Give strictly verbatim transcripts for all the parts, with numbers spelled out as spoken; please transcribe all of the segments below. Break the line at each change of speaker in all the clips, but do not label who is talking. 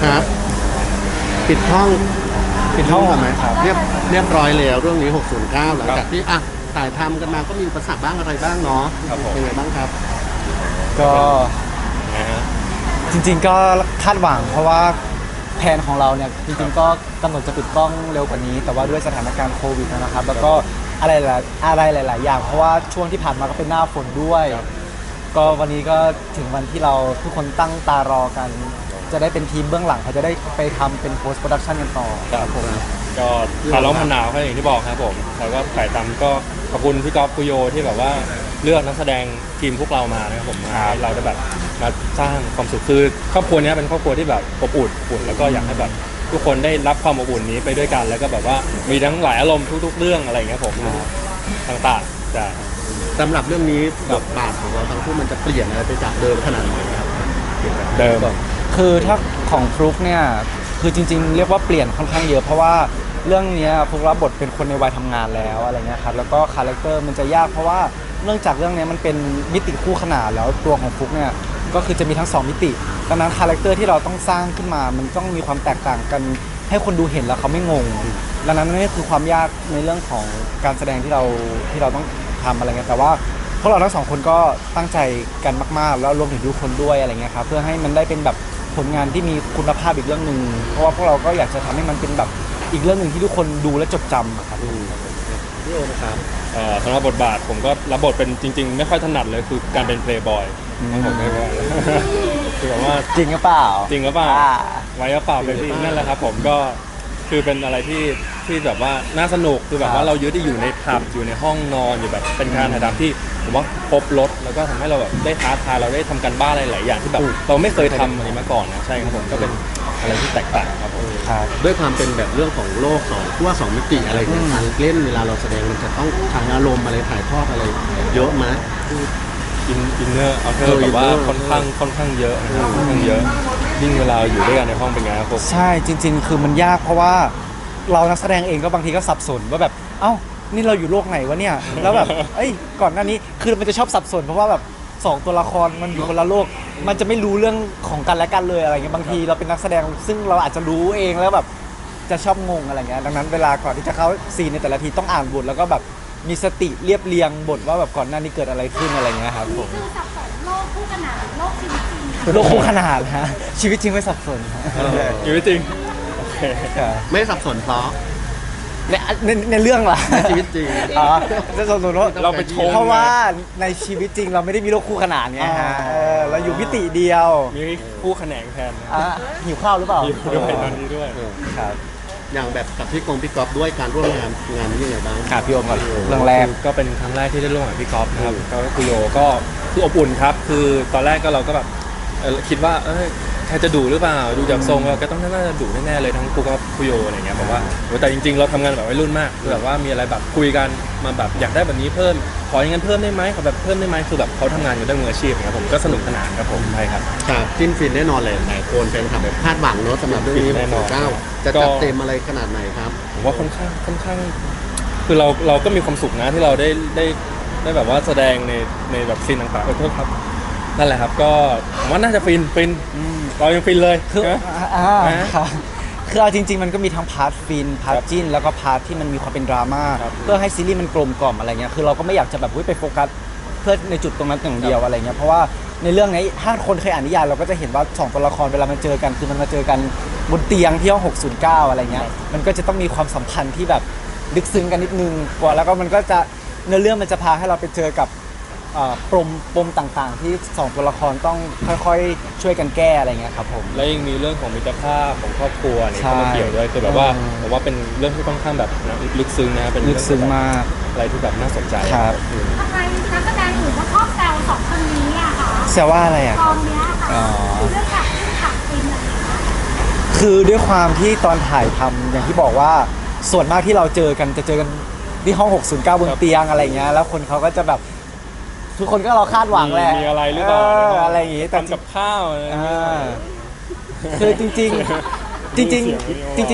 ครับปิดห้อง
ปิดห้อง
ก่อนไหม
ครับ
เรียบเรียบร้อยแล้วเรื่องนี้หกศูนย์เก้าหลังจากที่อ่ะถ่ายทำกันมาก็มีอุปสรรคบ้างอะไรบ้างเนาะ
ครับผม
เป็นไงบ้างครับ
ก็
นะฮะ
จริงๆก็คาดหวังเพราะว่าแผนของเราเนี่ยจริงๆก็กำหนดจะปิดกล้องเร็วกว่านี้ แต่ว่าด้วยสถานการณ์โควิดนะครับ แล้วก็อะไรหลายอะไรหลาย ๆ อย่าง เพราะว่าช่วงที่ผ่านมาก็เป็นหน้าฝนด้วย ก็วันนี้ก็ถึงวันที่เราทุกคนตั้งตารอกัน จะได้เป็นทีมเบื้องหลังเขาจะได้ไปทำเป็น post production กันต่อ
ครับผมก็คาร์ลมันหนาวแค่อย่างที่บอกครับผมแล้วก็ถ่ายทำก็ขอบคุณพี่ก๊อฟคุโยที่แบบว่าเลือกนักแสดงทีมพวกเรามานะครับผมมาให้เราได้แบบมาสร้างความสุขคือครอบครัวนี้เป็นครอบครัวที่แบบอบอุ่นอบอุ่นแล้วก็อยากให้แบบทุกคนได้รับความอบอุ่นนี้ไปด้วยกัน แล้วก็แบบว่ามีทั้งหลายอารมณ์ทุก ๆ เรื่องอะไรอย่างเงี้ยผมต่างๆแต่
สำหรับเรื่องนี้บทบาทของเราทั้งคู่มันจะเปลี่ยนอะไรไปจากเดิมขนาดไหนครับ
เดิม
คือถ้าของฟลุกเนี่ยคือจริงๆ เรียกว่าเปลี่ยนค่อนข้างเยอะเพราะว่าเรื่องนี้ฟลุกรับบทเป็นคนในวัยทำงานแล้วอะไรเงี้ยครับแล้วก็คาแรคเตอร์มันจะยากเพราะว่าเนื่องจากเรื่องนี้มันเป็นมิติคู่ขนานแล้วตัวของฟลุกเนี่ยก็คือจะมีทั้งสองมิติดังนั้นคาแรคเตอร์ที่เราต้องสร้างขึ้นมามันต้องมีความแตกต่างกันให้คนดูเห็นแล้วเขาไม่งงดังนั้นนี่คือความยากในเรื่องของการแสดงที่เราที่เราต้องทำอะไรเงี้ยแต่ว่าพวกเราทั้งสองคนก็ตั้งใจกันมากๆแล้วรวมถึงทุกคนด้วยอะไรเงี้ยครับเพื่อให้มันได้เป็นแบบผลงานที่มีคุณภาพอีกเรื่องหนึ่งเพราะว่าพวกเราก็อยากจะทำให้มันเป็นแบบอีกเรื่องหนึ่งที่ทุกคนดูและจดจำอะครับ
พี่โอนะครับ
เอ่อสำหรับบทบาทผมก็รับบทเป็นจริง ๆ ไม่ค่อยถนัดเลยคือการเป็นเพลย์บอยผมไม่ว่าคือแบบว่า
จริงหรือเปล่า
จริงหรือเปล่า
อ่า
ไว้หรือเปล่าเป็นที่นั่นแหละครับผมก็คือเป็นอะไรที่ที่แบบว่าน่าสนุกคือแบบว่าเราเยอะที่อยู่ในผับอยู่ในห้องนอนอยู่แบบเป็นการถ่ายทำที่ผมว่าครบรถแล้วก็ทำให้เราแบบได้ท้าทายเราได้ทำการบ้านอะไรหลายอย่างที่แบบเราไม่เคยทำอันนี้มาก่อนนะใช่ครับผมก็เป็นอะไรที่แตกต่างครับผม
ครับ
ด้วยความเป็นแบบเรื่องของโลกสองขั้วสองมิติอะไรเนี่ยการเล่นเวลาเราแสดงมันจะต้องทางอารมณ์อะไรถ่ายทอดอะไรเยอะไหม
อินอินเนอร์เอาเธ
เอ
อ
อ
แบบว่า
inner
ค่อนข้างค่อนข้างเยอะนะครับค่อนข้างเยอะยิ่งเวลาอยู่ด้วยกันในห้องเป็นไงครับผม
ใช่จริง ๆ คือมันยากเพราะว่าเรานักแสดงเองก็บางทีก็สับสนว่าแบบเอ้านี่เราอยู่โลกไหนวะเนี่ยแล้วแบบเอ้ยก่อนหน้านี้คือมันจะชอบสับสนเพราะว่าแบบสองตัวละครมันอยู่คนละโลก มันจะไม่รู้เรื่องของกันและกันเลยอะไรเงี้ยบางทีเราเป็นนักแสดงซึ่งเราอาจจะรู้เองแล้วแบบจะชอบงงอะไรเงี้ยดังนั้นเวลาก่อนที่จะเข้าซีนในแต่ละทีต้องอ่านบทแล้วก็แบบมีสติเรียบเรียงบทว่าแบบก่อนหน้านี้เกิดอะไรขึ้นอะไรเงี้ยครับผม
คือสับสนโลกคู่ขนานโลกชีวิตจริง
โลกคู่ขนาดฮะชีวิตจริงไม่สับสนฮะ
อยู่จริงโอเค
ไม่สับสนเพราะ
ในในในเรื่องล่ะ
ในชีวิตจริง
อ๋อจะสับสนว่า
เราไปชม
เพราะว่าในชีวิตจริงเราไม่ได้มีโลกคู่ขนานไงฮะเออเราอยู่มิติเดียว
มีคู่แขนงแทนนะ
อ่ะหิวข้าวหรือเปล่า
อยู่ด้วยตอนนี้ด้วย
ครับ
อย่างแบบกับพี่กงพี่ก๊อฟด้วยการร่วมงานงานนี้ยังไงบ้าง
ครับพี่โอมก่อนเรื่องแรก
ก็เป็นครั้งแรกที่ได้ร่วมกับพี่ก๊อฟนะครับก็คุโยก็คืออบอุ่นครับคือตอนแรกก็เราก็แบบเอ่อคิดว่าเอ้ยใครจะดุหรือเปล่าดูจากทรงเราก็ต้องน่าจะดุแน่ๆเลยทั้งคุกับคุโยอะไรเงี้ยผมว่าโอ้แต่จริงๆเราทำงานแบบวัยรุ่นมากคือแบบว่ามีอะไรแบบคุยกันมาแบบอยากได้แบบนี้เพิ่มขออย่างนั้นเพิ่มได้ไหมขอแบบเพิ่มได้ไหมคือแบบเขาทำงานอยู่ด้วยมืออาชีพอย่างเงี้ยผมก็สนุกสนานครับผมใช่ครับ
ครับจิ้นฟินแน่นอนเลยหลายคนแฟนคลับแบบคาดหวังเนอะสำหรับเรื่องนี้
แน่นอน
เก้าจะ
ก็
จัดเต็มอะไรขนาดไหนครับ
ผมว่าค่อนข้างค่อนข้าง คือเราเราก็มีความสุขนะที่เราได้ได้ได้แบบว่าแสดงในในแบบซีนต่างๆขอโทษครับนั่นแหละครับก็ผมว่าน่าจะฟินฟินเรายังฟินเลย
คือ
นะ
อ่า
นะ
ครับคือเอาจริง ๆ มันก็มีทั้งพาร์ทฟินพาร์ทจิ้นแล้วก็พาร์ทที่มันมีความเป็นดราม่า
ครับ
เพื่อให้ซีรีส์มันกลมกล่อมอะไรเงี้ยคือเราก็ไม่อยากจะแบบเฮ้ยไปโฟกัสเพื่อในจุดตรงนั้นอย่างเดียวอะไรเงี้ยเพราะว่าในเรื่องนี้ถ้าคนเคยอ่านนิยายเราก็จะเห็นว่าสองตัวละครเวลามันเจอกันคือมันมาเจอกันบนเตียงที่ห้องหกศูนย์เก้าอะไรเงี้ยมันก็จะต้องมีความสัมพันธ์ที่แบบลึกซึ้งกันนิดนึงกว่าแล้วก็มันก็จะเนื้อเรื่องมันจะพาให้เราไปเจอกับเอ่อปมปมต่างๆ ที่สองตัวละครต้องค่อยๆช่วยกันแก้อะไรเงี้ยครับผม
แล้วยังมีเรื่องของมิตรภาพของครอบครัวเนี่ย
ใช่
เข้ามาเกี่ยวด้วยคือแบบว่า
อืม
ผมว่าเป็นเรื่องที่ค่อนข้างแบบนะลึกซึ้งนะเป็น
ลึกซึ้งมาก
อะไรที่แบบน่าสนใจ
ครับ
อืม
ทำไมนักแสดงอื่นเขาชอบแซวสองคนนี้อะคะ
แซวว่าอะไรอ่ะ
กองเนี้ยค่ะ
อ๋อ
คือเรื่องจากเรื่องจากฟินอะไรอย่างเงี้ย
คือด้วยความที่ตอนถ่ายทำอย่างที่บอกว่าส่วนมากที่เราเจอกันจะเจอกันที่ห้องหกศูนย์เก้าบนเตียงอะไรเงี้ยแล้วคนเขาก็จะแบบทุกคนก็เราคาดหวังแหละ
มีอะไรหรือเปล่า
อะไรอย่างงี้แต่
ทำกับข้าวอะไรอย่างเงี้ย
อ่าคือจริงๆ จริง ๆ จริง ๆ ก็มี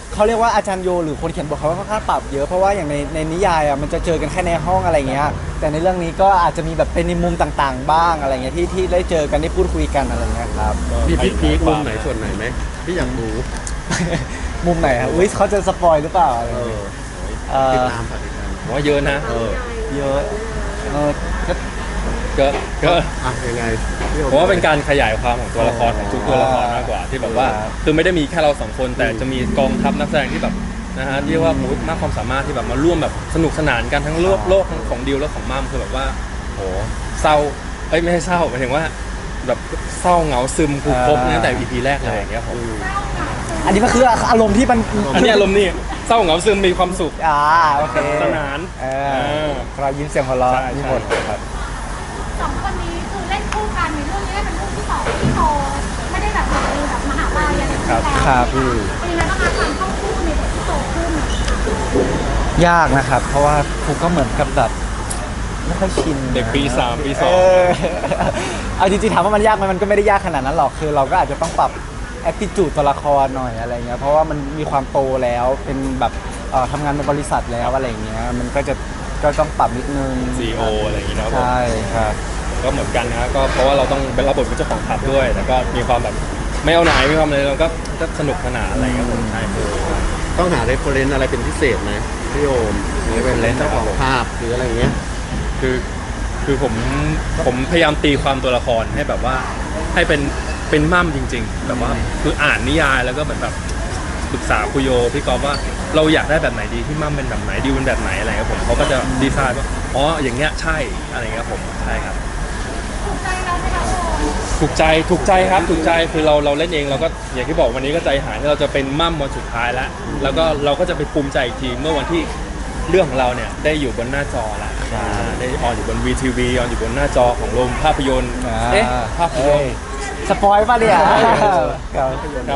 เขาเรียกว่าอาจารย์โยหรือคนเขียนบทเขาก็ค่อนข้างปรับเยอะเพราะว่าอย่างในในนิยายอ่ะมันจะเจอกันแค่ในห้องอะไรเงี้ยแต่ในเรื่องนี้ก็อาจจะมีแบบเป็นในมุมต่างๆ บ้างอะไรเงี้ยที่ที่ได้เจอกันได้พูดคุยกันอะไรเงี้ยครับ
มีพีคพีคมุมไหนส่วนไหนไหมที่อยากรู้
มุมไหนครับอุ้ยเขาจะสปอยหรือเปล่าอะไร
เอ
เงี้ย
อ
เอ่
ติด
อ
ตามฝากติดตาม
ผมว่าเยอะนะ
เออ
เยอะเออก็
ก็ก็
อ่ะยังไงพี่โอ
ผมว่าเป็นการขยายความของตัวละครของทุกตัวละครมากกว่าที่แบบว่าคือไม่ได้มีแค่เราสองคนแต่จะมีกองทัพนักแสดงที่แบบนะฮะที่ว่ามูดมากความสามารถที่แบบมาร่วมแบบสนุกสนานกันทั้งโลกโลกทั้งของดิวและของมั่มคือแบบว่าโหเศร้าเอ้ยไม่ใช่เศร้าหมายถึงว่าแบบเศร้าเหงาซึมคือครบตั้งแต่ อี พี แรกเลยอย่างเงี้ยผม
อันนี้มันคืออารมณ์ที่มัน
อันนี้อารมณ์นี่เศร้าเหงาซึมมีความสุข
อ่าโอเค
สนาน
เออรอยยิ้มเสียงหัวเราะ
ใช่
มี
ใช่
หมดครับ
สองคนนี้คือเล่นคู่กันในเรื่องนี้เป็นเรื่องที่สองที่โตไม่ได้แบบในแบบมหาลัยอะไรอย่างเงี้ยแล้ว
ครับ
เป็นยังไงบ้างคะการเข้าคู่ในบทที่โตขึ้น
ยากนะครับ เพราะว่าผมก็เหมือนกับแบบไม่ค่อยชิน
เด็กปีสามปีส
เอ
อง
อเอาจริงๆถามว่ามันยากไหมมันก็ไม่ได้ยากขนาดนั้นหรอกคือเราก็อาจจะต้องปรับ attitude ตัวละครหน่อยอะไรเงี้ยเพราะว่ามันมีความโตแล้วเป็นแบบเอ่อทำงานในบริษัทแล้วอะไรเงี้ยมันก็จะก็ต้องปรับนิดนึง
ซี อี โอ อะไรอย่างงี้เนาะผม
ใช่ครับ
ก็เหมือนกันนะก็เพราะว่าเราต้องเป็นรับบทเป็นเจ้าของผับด้วยแล้วก็มีความแบบไม่เอาไหนมีความอะไรเราก็ก็สนุกสนานอะไรครับผมใช่คือ
ต้องหาเรฟเฟอเรนซ์อะไรเป็นพิเศษไหมพี่โอมหรือเป็นเลนส์เจ้าของภาพหรืออะไรเงี้ย
คือคือผมผมพยายามตีความตัวละครให้แบบว่าให้เป็นเป็นมั่มจริง ๆ แบบว่าคืออ่านนิยายแล้วก็เหมือนแบบปรึกษาคุยโยพี่กอฟว่าเราอยากได้แบบไหนดีที่มั่มเป็นแบบไหนดิวเป็นแบบไหนอะไรครับผมเขาก็จะดีไซน์ว่าอ๋ออย่างเงี้ยใช่อะไรเงี้ยผมใช่ครับ
ถูกใจเราไหมคะโอม
ถูกใจถูกใจครับถูกใจคือเราเราเล่นเองเราก็อย่างที่บอกวันนี้ก็ใจหายที่เราจะเป็นมั่มวันสุดท้ายแล้ว แล้วก็เราก็จะไปภูมิใจอีกทีเมื่อวันที่เรื่องของเราเนี่ยได้อยู่บนหน้าจอแล้วอ่าได้ออนอยู่บน วี ที วี ออนอยู่บนหน้าจอของโรงภาพยนตร์เอ๊ะภาพยนตร์
สปอยป่ะเนี่ยครับ
ครับ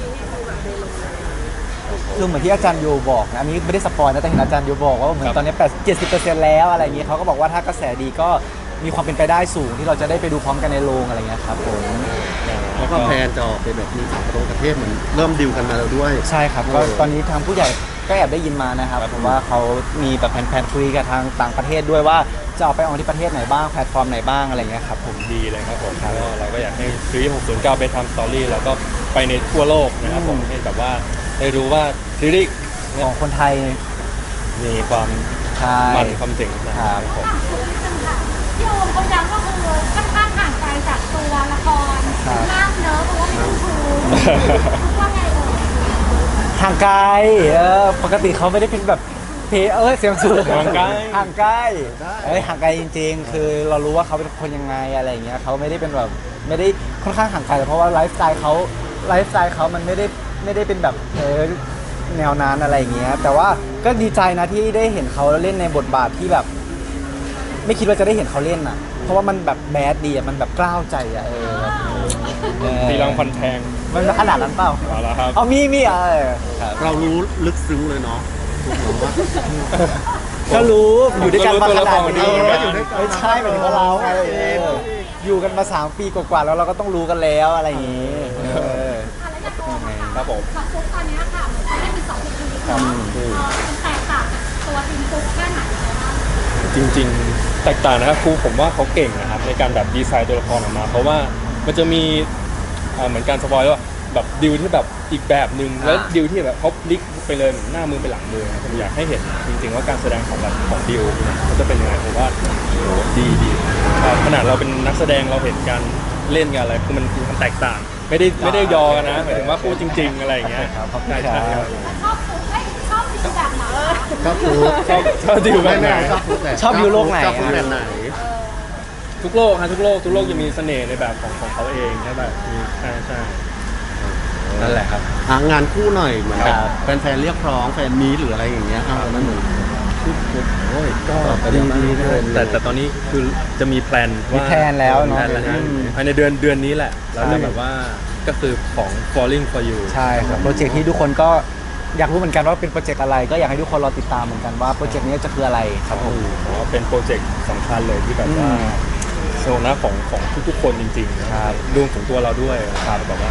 คือเหมือนที่อาจารย์โยบอกนะอันนี้ไม่ได้สปอยนะแต่เห็นอาจารย์โยบอกว่าเหมือนตอนนี้แปดเจ็ดสิบเปอร์เซ็นต์แล้วอะไรอย่างเงี้ยเขาก็บอกว่าถ้ากระแสดีก็มีความเป็นไปได้สูงที่เราจะได้ไปดูพร้อมกันในโรงอะไรเงี้ยครับผม
แล้วก็แพลนจะออกเป็นแบบมีต่างประเทศเหมือนเริ่มดิวกันมาแล้วด้วย
ใช่ครับก็ตอนนี้ทางผู้ใหญ่ก็แอบได้ยินมานะครับผมว่าเขามีแบบแผนๆคุยกับทางต่างประเทศด้วยว่าจะเอาไปออกที่ประเทศไหนบ้างแพลตฟอร์มไหนบ้างอะไรเงี้ยครับผม
ดีเลยครับผมก็เราก็อยากให้ซีรีส์หกศูนย์เก้าไปทำสตอรี่แล้วก็ไปในทั่วโลกนะครับผมให้แบบว่าได้รู้ว่าซีรีส์
ของคนไทย
มีความ
ใช่
มันความเจ๋งนะครับผม
ถามคุณนิดนึงค่ะพี่โอมเขาย้ำก็คือค่อนข้างห่างไกลจากตัวละครมากเนอะเพราะว่ามีคุณครูว่าไงเอ่ย
ห่างไกลเออปกติเขาไม่ได้เป็นแบบเพเออเสียงสูง
ห่างไกล
ห่างไกลเอ้ยห่างไกลจริง ๆ คือเรารู้ว่าเขาเป็นคนยังไงอะไรอย่างเงี้ยเขาไม่ได้เป็นแบบไม่ได้ค่อนข้างห่างไกลเพราะว่าไลฟ์สไตล์เขาไลฟ์สไตล์เขามันไม่ได้ไม่ได้เป็นแบบเออแนวนั้นอะไรอย่างเงี้ยแต่ว่าก็ดีใจนะที่ได้เห็นเขาเล่นในบทบาทที่แบบ ไม่คิดว่าจะได้เห็นเขาเล่นอ่ะ เพราะว่ามันแบบแบดดีอ่ะมันแบบกล้าวใจอ่ะเออแบบเออ
ตีรังฟันแทง
มันขนาดนั้นเปล่า
เอาละครับ
เอามีมีเออครับ
เรารู้ลึกซึ้งเลยเนาะถูกไหมว่า
ก็รู้อยู่ด้วยกันมาขนาดนี้
ผมก็รู้ตัวละคร
อยู่ด้วยกันไม่ใช่หมายถึงว่าเราไงเอออยู่กันมาสามปีกว่าๆแล้วเราก็ต้องรู้กันแล้วอะไรอย่างงี้เออ
อะไรจะโอมอะค่ะ
ครับผม
กับฟุกตอนเนี้ยค่ะเหมือนเขาได้มีสองทีมเนาะเออมันแตกต่างจากตัวทีมฟุกแค่ไหนบ้าง
จริงๆ แตกต่างนะครับครูผมว่าเขาเก่งนะครับในการแบบดีไซน์ตัวละครออกมา เพราะว่ามันจะมีเอ่อเหมือนการสปอยล์ว่าแบบดิวที่แบบอีกแบบหนึ่งแล้วดิวที่แบบเขาพลิกไปเลยเหมือนหน้ามือไปหลังมือนะผมอยากให้เห็นจริงๆว่าการแสดงของแบบของดิวเนี่ยมันจะเป็นยังไงผมว่าโอ้โหดีดีครับขนาดเราเป็นนักแสดงเราเห็นการเล่นกันอะไรคือมันคือมันแตกต่าง ไม่ได้ไม่ได้ยอกันนะหมายถึงว่าพูดจริง ๆ อะไรอย่างเงี้ย
ครับขอบคุณ
ใช่
ครั
ใช่
บ
ครับ
แล้วชอบฟุกเอ้ยชอบทีมแบบไหน
ก็ถูก
ชอบชอบดิวแบ
ไม่
บไหน
ไม่ชอบฟุกแหละ
ชอบอยู่โลกไหน
ชอบฟุกแบบไหน
ทุกโลกฮะทุกโลกทุกโลกจะมีเสน่ห์ในแบบของของเขาเองใช่แบบมีใช่ใช่
นั่นแหละครับ
หางานคู่หน่อยเหมือนแบบ
ครับ
แฟนๆเรียกร้องแฟนมีตหรืออะไรอย่างเงี้ยอ่ามันเหมือนโอ้ยก็
ดี
ดี
ดี
เล
เลย
ย
แต่แต่ตอนนี้คือจะมีแพลน
มี
ว่า
แพลนแล้วเนอะ
มีพลแล้วฮะ
อืม
ภายในเดือนเดือนนี้แหละเรา
ใช่
จะแบบว่าก็คือของ falling for you
ใช่ครับโปรเจกต์ที่ทุกคนก็อยากรู้เหมือนกันว่าเป็นโปรเจกต์อะไร ก็อยากให้ทุกคนรอติดตามเหมือนกันว่าโปรเจกต์นี้จะคืออะไรครับผม
ผมว่าเป็นโปรเจกต์สำคัญเลยที่แบบว่า
อืม
โซนะของของทุกๆคนจริงๆนะครับรวมถึงตัวเราด้วย
ครับ
แบบว่า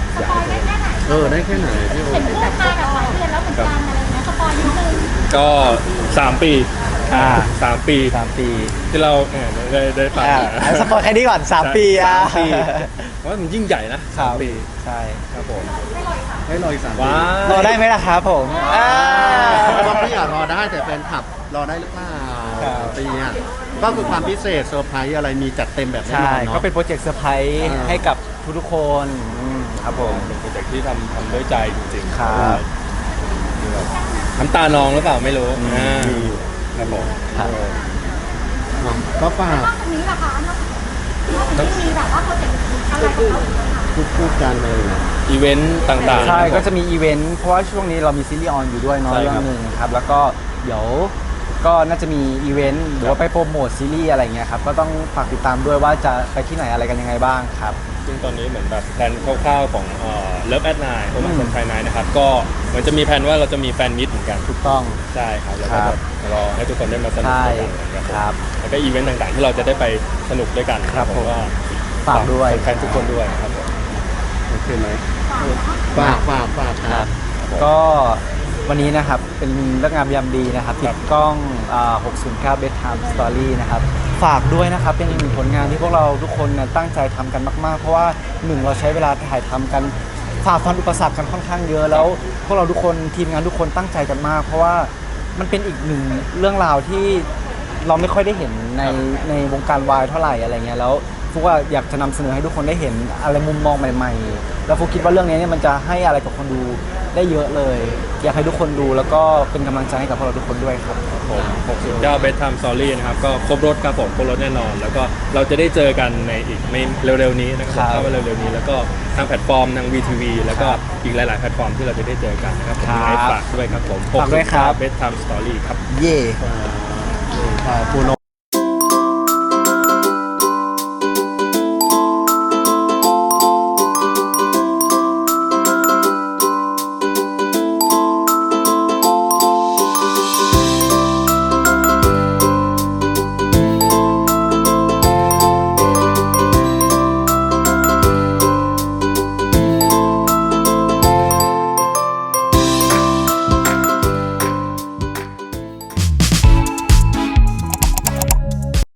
สปอยได้แค่ไหน
เออได้แค่ไหนพี่โอ
เห็นพูดมาแบบหลายเดือนแล้วเหมือนกันอะไรเงี้ยสปอยนิดนึง
ก็สามปี
อ่า
สามปี
สามปี
ที่เราเออได้ได้ฟัง
อ่าอ่ะสปอยแค่นี้ก่อนสามปีอ่ะ
สามปีเพราะว่ามันยิ่งใหญ่นะ
ครั
สา
บ
มปี
ใช่
ครับผม
ให้รออีกสามปี
ว้าร
อได้ไหมล่ะครับผมอ่า
ก็พี่อยากรอได้แต่แฟนคลับรอได้หรือเปล่า
ครับ
ปีอ่ะก็คือความพิเศษเซอร์ไพรส์อะไรมีจัดเต็มแบบแน่น
ใช่
อนเนาะ
ก็เป็นโปรเจกต์เซอร์ไพรส์
อ่า
ให้กับทุกๆคนอืมครับผม
เป็นโปรเจกต์ที่ทำทำด้วยใจจริงๆ
ครับ
คือแบบน้ำตานองหรือเปล่าไม่รู้อ่า
มี
ครับผม
ครับ
เนาะก็ฝาก
นอกจากนี้ล่ะคะนอกจากนี้มีแบบว่าโปรเจกต์อะไรของเราอีกไหมคะ
พูดพูดกันเลยนะ
อีเวนต์ต่างๆ
ใช่
ครับผม
ก็จะมีอีเวนต์เพราะว่าช่วงนี้เรามีซีรีส์ออนอยู่ด้วยเนาะ
ใช่
เรื่
ค
อ
รับ
งหนึ่งครับแล้วก็เดี๋ยวก็น่าจะมีอีเวนต์หรือว่าไปโปรโมทซีรีส์อะไรเงี้ยครับก็ต้องฝากติดตามด้วยว่าจะไปที่ไหนอะไรกันยังไงบ้างครับ
ซึ่งตอนนี้เหมือนแบบแพลนคร่าวๆของเลิฟแอดไนน์โอมา
อืม
สันไฟนายนะครับก็เหมือนจะมีแผนว่าเราจะมีแฟนมิตเหมือนกัน
ถูกต้อง
ใช่ครับแล้ว
ครั
ก็
บ
แบบรอให้ทุกคนได้มาสนุก
ใช่
ด้วยกันนะครับผม
ครับ
แล้วก็อีเวนต์ต่างๆ ที่เราจะได้ไปสนุกด้วยกัน
ครับผม
ก็
ฝากด้วย
แฟนๆทุกคนด้วยครับผม
โอเคไหมฝากฝากฝากค
ค
รั
รับ บก็วันนี้นะครับเป็นเรื่องงามยามดีนะครับติดกล้องอ่าหกศูนย์เก้า Bedtime Story นะครับฝากด้วยนะครับเป็นอีกหนึ่งผลงานที่พวกเราทุกคนนะตั้งใจทำกันมาก ๆ เพราะว่าหนึ่งเราใช้เวลาถ่ายทำกันฝ่าฟันอุปสรรคกันค่อนข้างเยอะแล้ว พวกเราทุกคนทีมงานทุกคนตั้งใจกันมาก เพราะว่ามันเป็นอีกหนึ่งเรื่องราวที่เราไม่ค่อยได้เห็นในในวงการวายเท่าไหร่อะไรเงี้ยแล้วฟุกว่าอยากจะนำเสนอให้ทุกคนได้เห็นอะไรมุมมองใหม่ ๆ แล้วฟุกคิดว่าเรื่องนี้เนี่ยมันจะให้อะไรกับคนดูได้เยอะเลย อยากให้ทุกคนดูแล้วก็เป็นกำลังใจให้กับพวกเราทุกคนด้วยครับ
ผมหกสิบเก้า Bedtime Story นะครับก็ครบรถครับผมครบรถแน่นอน แล้วก็เราจะได้เจอกันในอีกไม่เร็วๆนี้นะครับ
ครับ
เข้ามาเร็วๆนี้แล้วก็ทางแพลตฟอร์มทาง วี ที วี แล้วก็
ครับ
อีกหลายๆแพลตฟอร์มที่เราจะได้เจอกันนะครับผม
ครับ
ยังไงฝากด้วยครับผม
ฝากด้วยครับ
หกสิบเก้า Bedtime Story ครับ
เย่
อ่าปูโน